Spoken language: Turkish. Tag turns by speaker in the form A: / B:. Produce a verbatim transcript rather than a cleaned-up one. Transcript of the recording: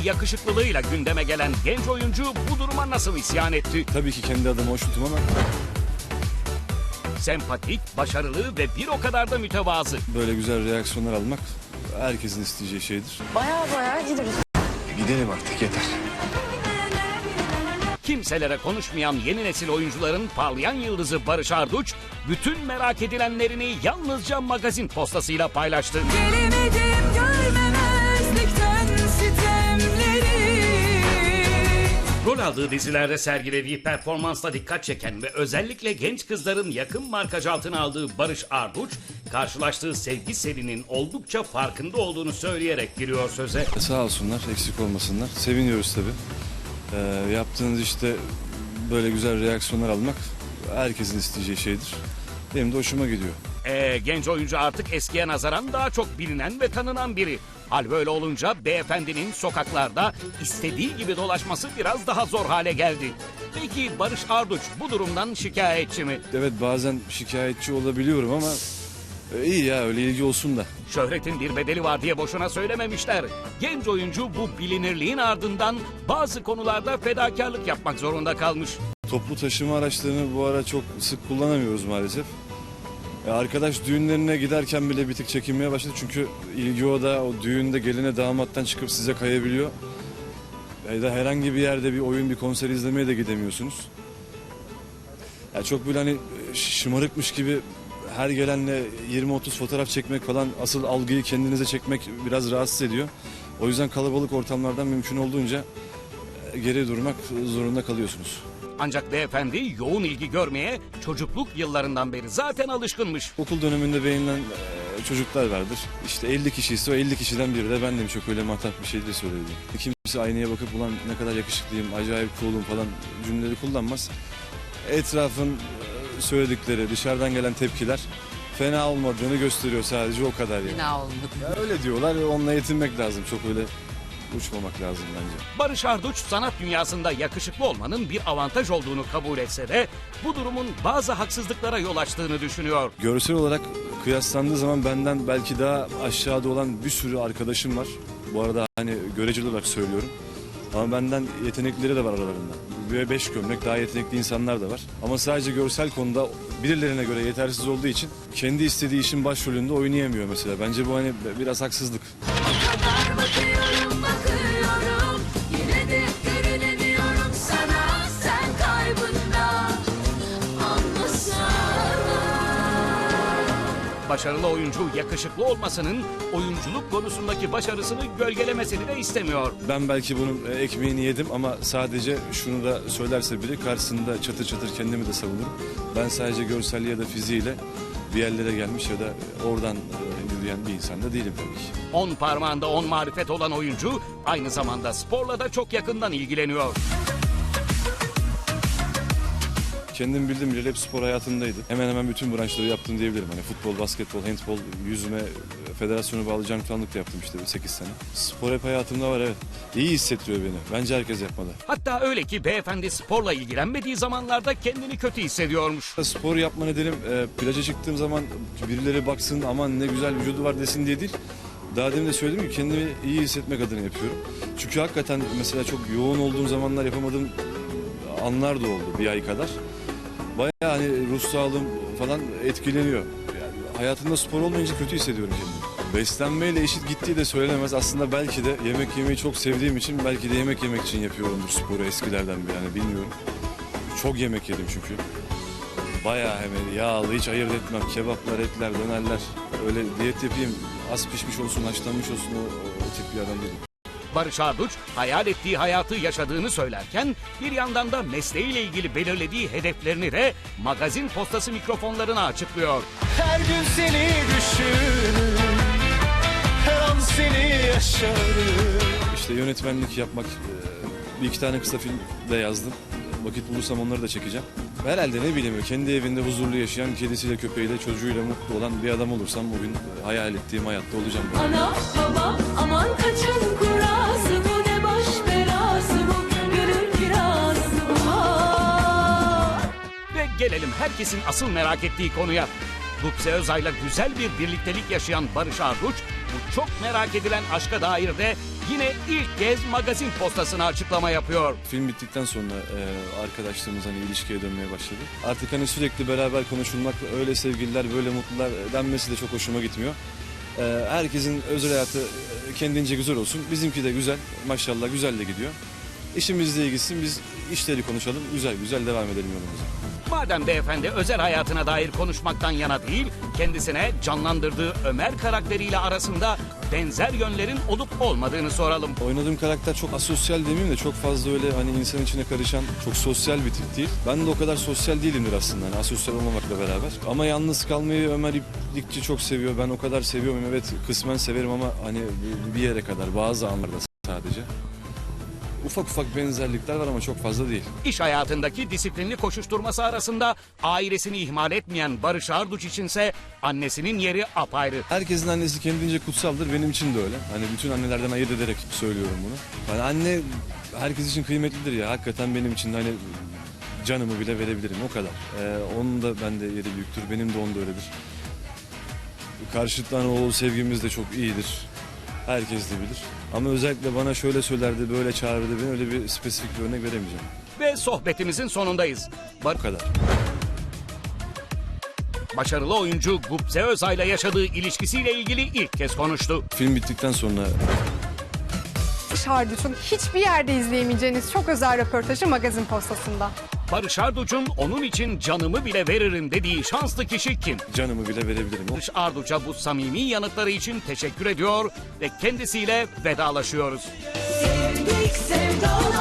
A: yakışıklılığıyla gündeme gelen genç oyuncu bu duruma nasıl isyan etti?
B: Tabii ki kendi adıma hoşnutum ama
A: Sempatik, başarılı ve bir o kadar da mütevazı.
B: böyle güzel reaksiyonlar almak herkesin isteyeceği şeydir.
C: Baya baya gideriz.
B: Gidelim artık, yeter.
A: Kimselere konuşmayan yeni nesil oyuncuların parlayan yıldızı Barış Arduç, bütün merak edilenlerini yalnızca magazin postasıyla paylaştı.
D: Gelemedim görmemezlikten sitemleri.
A: Rol aldığı dizilerde sergilediği performansla dikkat çeken ve özellikle genç kızların yakın markaj altına aldığı Barış Arduç, karşılaştığı sevgi selinin oldukça farkında olduğunu söyleyerek giriyor söze.
B: Sağ olsunlar, eksik olmasınlar. Seviniyoruz tabii. Ee, yaptığınız işte böyle güzel reaksiyonlar almak herkesin isteyeceği şeydir. Benim de hoşuma gidiyor.
A: Ee, genç oyuncu artık eskiye nazaran daha çok bilinen ve tanınan biri. Hal böyle olunca beyefendinin sokaklarda istediği gibi dolaşması biraz daha zor hale geldi. Peki Barış Arduç bu durumdan şikayetçi mi?
B: Evet, bazen şikayetçi olabiliyorum ama e, iyi ya, öyle ilgi olsun da.
A: Şöhretin bir bedeli var diye boşuna söylememişler. Genç oyuncu bu bilinirliğin ardından bazı konularda fedakarlık yapmak zorunda kalmış.
B: Toplu taşıma araçlarını bu ara çok sık kullanamıyoruz maalesef. E, arkadaş düğünlerine giderken bile bir tık çekinmeye başladı. Çünkü ilgi o da o düğünde geline damattan çıkıp size kayabiliyor. Ya da herhangi bir yerde bir oyun, bir konser izlemeye de gidemiyorsunuz. Ya çok böyle hani şımarıkmış gibi her gelenle yirmi otuz fotoğraf çekmek falan, asıl algıyı kendinize çekmek biraz rahatsız ediyor. O yüzden kalabalık ortamlardan mümkün olduğunca geri durmak zorunda kalıyorsunuz.
A: Ancak beyefendi yoğun ilgi görmeye çocukluk yıllarından beri zaten alışkınmış.
B: Okul döneminde beğenilen e, çocuklar vardır. İşte elli kişi ise o elli kişiden biri de bendim, çok öyle matah bir şey de söyledi. Kimse aynaya bakıp ulan ne kadar yakışıklıyım, acayip cool'um falan cümleleri kullanmaz. Etrafın e, söyledikleri, dışarıdan gelen tepkiler fena olmadığını gösteriyor, sadece o kadar yani.
C: Fena olmadı.
B: Ya öyle diyorlar, onunla yetinmek lazım, çok öyle uçmamak lazım bence.
A: Barış Arduç sanat dünyasında yakışıklı olmanın bir avantaj olduğunu kabul etse de bu durumun bazı haksızlıklara yol açtığını düşünüyor.
B: Görsel olarak kıyaslandığı zaman benden belki daha aşağıda olan bir sürü arkadaşım var. Bu arada hani göreceli olarak söylüyorum. Ama benden yeteneklileri de var aralarında. Ve beş gömlek daha yetenekli insanlar da var. Ama sadece görsel konuda birilerine göre yetersiz olduğu için kendi istediği işin başrolünde oynayamıyor mesela. Bence bu hani biraz haksızlık.
D: Kadar bakıyorum bakıyorum, yine de görünemiyorum sana, sen kaybında anlasana.
A: Başarılı oyuncu yakışıklı olmasının oyunculuk konusundaki başarısını gölgelemesini de istemiyor.
B: Ben belki bunun e, ekmeğini yedim ama sadece şunu da söylerse biri karşısında çatır çatır kendimi de savunurum. Ben sadece görselliği ya da fiziğiyle bir yerlere gelmiş ya da oradan e, yürüyen bir insan da değilim tabii ki.
A: On parmağında on marifet olan oyuncu aynı zamanda sporla da çok yakından ilgileniyor.
B: Kendim bildiğim bile hep spor hayatımdaydı. Hemen hemen bütün branşları yaptım diyebilirim. Hani futbol, basketbol, handbol, yüzme, federasyonu bağlı canlıktanlık da yaptım işte sekiz sene. Spor hep hayatımda var, evet. İyi hissettiriyor beni. Bence herkes yapmalı.
A: Hatta öyle ki beyefendi sporla ilgilenmediği zamanlarda kendini kötü hissediyormuş.
B: Spor yapma nedenim e, plaja çıktığım zaman birileri baksın aman ne güzel vücudu var desin diye değil. Daha demin de söyledim ki kendimi iyi hissetmek adına yapıyorum. Çünkü hakikaten mesela çok yoğun olduğum zamanlar yapamadığım anlar da oldu bir ay kadar. Bayağı hani ruh sağlığım falan etkileniyor. Yani hayatımda spor olmayınca kötü hissediyorum kendimi. Beslenmeyle eşit gittiği de söylenemez. Aslında belki de yemek yemeyi çok sevdiğim için belki de yemek yemek için yapıyorumdur sporu eskilerden beri, yani bilmiyorum. Çok yemek yedim çünkü. Bayağı hemen yağlı, hiç ayırt etmem. Kebaplar, etler, dönerler. Öyle diyet yapayım, az pişmiş olsun, haşlanmış olsun, o, o, o tip bir adam değilim.
A: Barış Arduç hayal ettiği hayatı yaşadığını söylerken bir yandan da mesleğiyle ilgili belirlediği hedeflerini de magazin postası mikrofonlarına açıklıyor.
E: Her gün seni düşünürüm, her an seni yaşarım.
B: İşte yönetmenlik yapmak, e, bir iki tane kısa film de yazdım. Vakit bulursam onları da çekeceğim. Herhalde ne bileyim, kendi evinde huzurlu yaşayan, kedisiyle, köpeğiyle, çocuğuyla mutlu olan bir adam olursam bugün hayal ettiğim hayatta olacağım.
D: Ana baba aman kaçın kurası, bu ne baş belası, bu gönül kirası. Aa!
A: Ve gelelim herkesin asıl merak ettiği konuya. Gupse Özay'la güzel bir birliktelik yaşayan Barış Arduç, bu çok merak edilen aşka dair de yine ilk kez magazin postasına açıklama yapıyor.
B: Film bittikten sonra e, arkadaşlığımız hani ilişkiye dönmeye başladı. Artık hani sürekli beraber konuşulmak, öyle sevgililer, böyle mutlular denmesi de çok hoşuma gitmiyor. E, herkesin özel hayatı e, kendince güzel olsun. Bizimki de güzel, maşallah güzel de gidiyor. İşimizle ilgisin, biz işleri konuşalım, güzel güzel devam edelim yolumuza.
A: Madem beyefendi özel hayatına dair konuşmaktan yana değil, kendisine canlandırdığı Ömer karakteriyle arasında benzer yönlerin olup olmadığını soralım.
B: Oynadığım karakter çok asosyal demeyeyim de çok fazla öyle hani insan içine karışan çok sosyal bir tip değil. Ben de o kadar sosyal değilimdir aslında hani asosyal olmamakla beraber. Ama yalnız kalmayı Ömer İplikçi çok seviyor. Ben o kadar seviyorum. Evet kısmen severim ama hani bir yere kadar bazı anlarda sadece. Ufak ufak benzerlikler var ama çok fazla değil.
A: İş hayatındaki disiplinli koşuşturması arasında ailesini ihmal etmeyen Barış Arduç içinse annesinin yeri apayrı.
B: Herkesin annesi kendince kutsaldır. Benim için de öyle. Hani bütün annelerden ayırt ederek söylüyorum bunu. Hani anne herkes için kıymetlidir ya. Hakikaten benim için de hani canımı bile verebilirim o kadar. Ee, onun da bende yeri büyüktür. Benim de onda öyledir. Karşıttan oğul sevgimiz de çok iyidir. Herkes de bilir. Ama özellikle bana şöyle söylerdi, böyle çağırırdı beni, öyle bir spesifik bir örnek veremeyeceğim.
A: Ve sohbetimizin sonundayız. Bar-
B: Bu kadar.
A: Başarılı oyuncu Gupse Özay'la yaşadığı ilişkisiyle ilgili ilk kez konuştu.
B: Film bittikten sonra
C: Barış Arduç'un hiçbir yerde izleyemeyeceğiniz çok özel röportajı Magazin Postası'nda.
A: Barış Arduç'un onun için canımı bile veririm dediği şanslı kişi kim?
B: canımı bile verebilirim. O
A: Barış Arduç'a bu samimi yanıtları için teşekkür ediyor ve kendisiyle vedalaşıyoruz.
D: Sevdik sevdalar